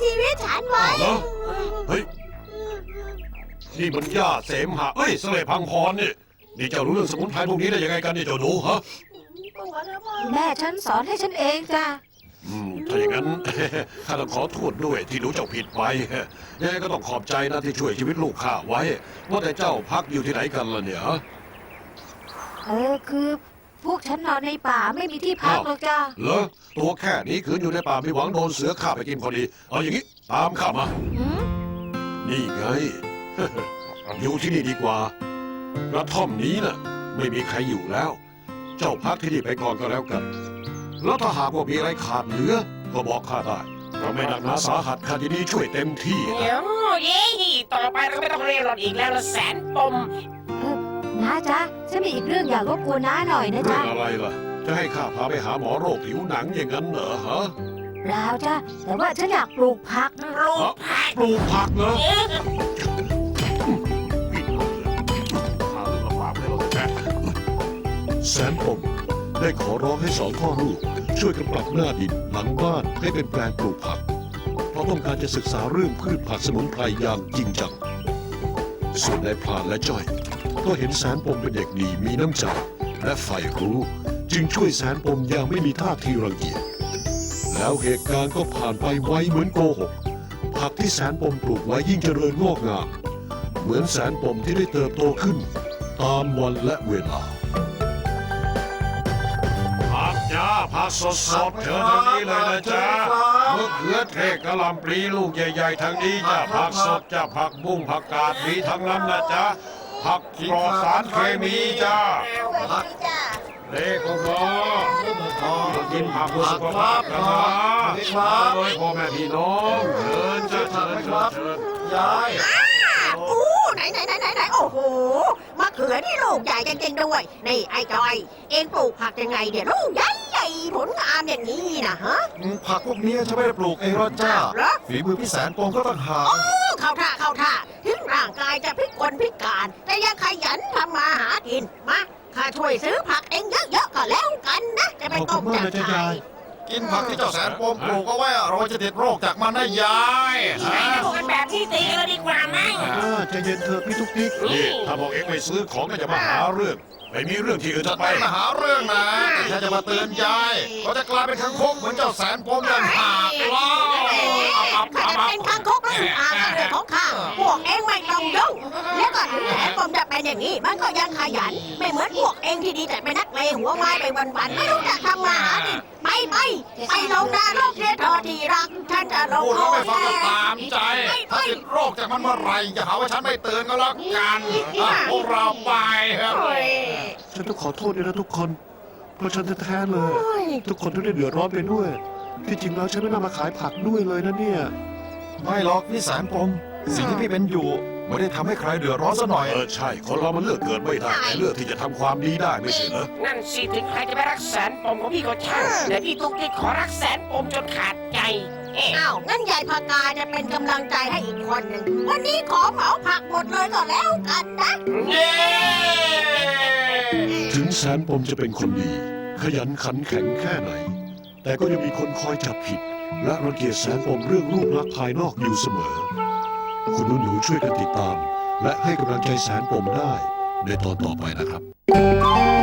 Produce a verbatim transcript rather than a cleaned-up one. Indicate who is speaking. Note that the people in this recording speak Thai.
Speaker 1: ชีวิตฉันไว้
Speaker 2: อ้าวเหรอเฮ้ยนี่มันหญ้าเสมหะเอ้ยสเลพังพรนี่นี่เจ้ารู้เรื่องสมุนไพรพวกนี้ได้ยังไงกันเนี่ยเจ้าหนูฮะ
Speaker 3: แม่ฉันสอนให้ฉันเองจ้ะ
Speaker 2: อืมถ้าอย่างนั้น ข้าต้องขอโทษด้วยที่รู้เจ้าผิดไปยังไงก็ต้องขอบใจนะที่ช่วยชีวิตลูกข้าไว้ว่าแต่เจ้าพักอยู่ที่ไหนกันล่ะเนี่ยฮะ
Speaker 3: เออคือพวกฉันนอนในป่าไม่มีที่พักหรอกจ้ะ
Speaker 2: เหรอตัวแค่นี้คืนอยู่ในป่าไม่หวังโดนเสือฆ่าไปกินพอดีเอาอย่างนี้ตามข้ามา
Speaker 3: หืม
Speaker 2: นี่ไง อยู่ที่นี่ดีกว่ากระท่อมนี้น่ะ ไม่มีใครอยู่แล้ว เจ้าพักที่นี่ไปก่อนก็แล้วกัน แล้วถ้าหากว่ามีอะไรขาดเหลือ ก็บอกข้าได้เราไม่หนักหนาสาหัสข้ายินดีช่วยเต็มที่
Speaker 4: เดี๋
Speaker 2: นะ
Speaker 4: ยวเย้ต่อไปเราไม่ต้องเรียนรถอีกแล้วละแสนปม
Speaker 3: เออน้าจ๊ะฉันมีอีกเรื่องอยากรบกวนน้าหน่อยนะ
Speaker 2: เรื่อ
Speaker 3: จ๊ะ
Speaker 2: งอะไรล่ะ จะให้ข้าพาไปหาหมอโรคผิวหนังอย่างนั้นเหรอฮะ
Speaker 3: เปล่าจ้ะแต่ว่าฉันอยากปลูกผัก
Speaker 4: ลูกผัก
Speaker 2: ปลูกผักเหรอ
Speaker 4: เอ๊ะ
Speaker 2: ปิดเลยข้าเรื่องลำบากให้เราแท้แสนปมได้ขอร้องให้สองพ่อลูกช่วยกันปรับหน้าดินหลังบ้านให้เป็นแปลงปลูกผัก เพราะต้องการจะศึกษาเรื่องพืชผักสมุนไพรอย่างจริงจัง ส่วนนายพรานและจ้อย ก็เห็นแสนปมเป็นเด็กดีมีน้ำใจและใฝ่รู้ จึงช่วยแสนปมอย่างไม่มีท่าทีรังเกียจแล้วเหตุการณ์ก็ผ่านไปไวเหมือนโกหก ผักที่แสนปมปลูกไว้ยิ่งเจริญงอกงาม เหมือนแสนปมที่ได้เติบโตขึ้น ตามวันและเวลาผักจ้าผักสดสดเชิญทางนี้เลยนะจ๊ะมะเขือเทศกะหล่ำปลีลูกใหญ่ๆทางนี้จ้ะผักสดจ้ะผักบุ้งผักกาดมีทั้งนั้นนะจ๊ะผักปลอดสารเคมีจ้าเด็กของพ่อมากินผักเพื่อสุขภาพกันนะมาเลยพ่อแม่พี่น้องเชิญเชิญเชิญเชิญเชิญ
Speaker 5: ยาย
Speaker 1: อู้ไหนไหนไหนไหนไหนโอ้โหมะเขือนี่ลูกใหญ่จริงๆด้วยนี่ไอ้จอย เอ็งปลูกผักยังไงเนี่ยลูกใหญ่ใหญ่ผลงามอย่างนี้นะฮะ
Speaker 5: ผักพวกนี้ฉันไม่ได้ปลูกเองหรอกจ้า
Speaker 1: เหรอ
Speaker 5: ฝีมือพี่แสนปมก็ต่างหาก
Speaker 1: โอ้เข้าท่าเข้าท่าถึงร่างกายจะพิกลพิการ แต่ยังขยันทำมาหากินมาข้าช่วยซื้อผักเองเยอะๆก็แล้วกันนะจะไปต้มจัดขาย
Speaker 5: กินผักที่เจ้าแสนปมปลูกเอาไว้เราจะติดโรคจากมันนะยาย
Speaker 4: ใช้พวกกันแบบที่ตีกันดีกว่ามั้ง
Speaker 5: ใจเย็นเถอะพี่ทุกทิก
Speaker 2: นี่ถ้าบอกเอ็งไม่ซื้อของก็จะมาหาเรื่อง ไม่มีเรื่องที่อื่น
Speaker 5: จะ
Speaker 2: จะ
Speaker 5: ไป
Speaker 2: ไป
Speaker 5: มาหาเรื่องนะฉันจะมาเตือนยายเขาจะกลายเป็นคังคกเหมือนเจ้าแสนปมอย่างหากล้อ
Speaker 1: ข้าจะเป็นคางคกหรืออาเรื่องของข้าพวกเองไม่ต้องยุ่งแล้วก็ถึงแม้ผมจะเป็นอย่างนี้ มันก็ยังขยัน ไม่เหมือนพวกเองที่ดีแต่ไปนักเลงหัวไม้ไปวันๆไม่รู้จักทำมาหากินไปไปไปลงนาโลกเททอที่รักฉันจะลง
Speaker 5: พูด
Speaker 1: โท
Speaker 5: แล้ว
Speaker 1: ษ
Speaker 5: ไม่ฟังก็
Speaker 1: แน่
Speaker 5: ตามใจ ถ้าติดโรคจากมันเมื่อไหรอย่าหาว่าฉันไม่เตือนก็แล้วกันอ่ะพวกเราไปครับ
Speaker 1: โอ้ย
Speaker 6: ฉันต้องขอโทษด้วยนะทุกคน เพราะฉันแท้ๆเลย ทุกคนต้องได้เดือดร้อนไปด้วย ที่จริงแล้วฉันไม่น่ามาขายผักด้วยเลยนะเนี่ย
Speaker 5: ไม่หรอกพี่แสนปมสิ่งที่พี่เป็นอยู่ไม่ได้ทำให้ใครเดือดร้อนซะหน่อย
Speaker 2: เออใช่ คนเรามันเลือกเกิดไม่ได้แต่เลือกที่จะทำความดีได้ไม่ใช่เหรอ
Speaker 4: นั่นสิถึงใครจะไปรักแสนปมของพี่ก็ช่างแต่พี่ตุ๊กติ๊กขอรักแสนปมจนขาดใจเอ๊ะ
Speaker 1: อ้าวงั้นยายพากาจะเป็นกำลังใจให้อีกคนหนึ่งวันนี้ขอเหมาผักหมดเลยก็แล้วกันนะ
Speaker 4: เย้
Speaker 2: ถึงแสนปมจะเป็นคนดี ขยันขันแข็งแค่ไหน แต่ก็ยังมีคนคอยจับผิด และรังเกียจแสนปมเรื่องรูปลักษณ์ภายนอกอยู่เสมอ คุณหนูๆช่วยกันติดตาม และให้กำลังใจแสนปมได้ ในตอนต่อไปนะครับ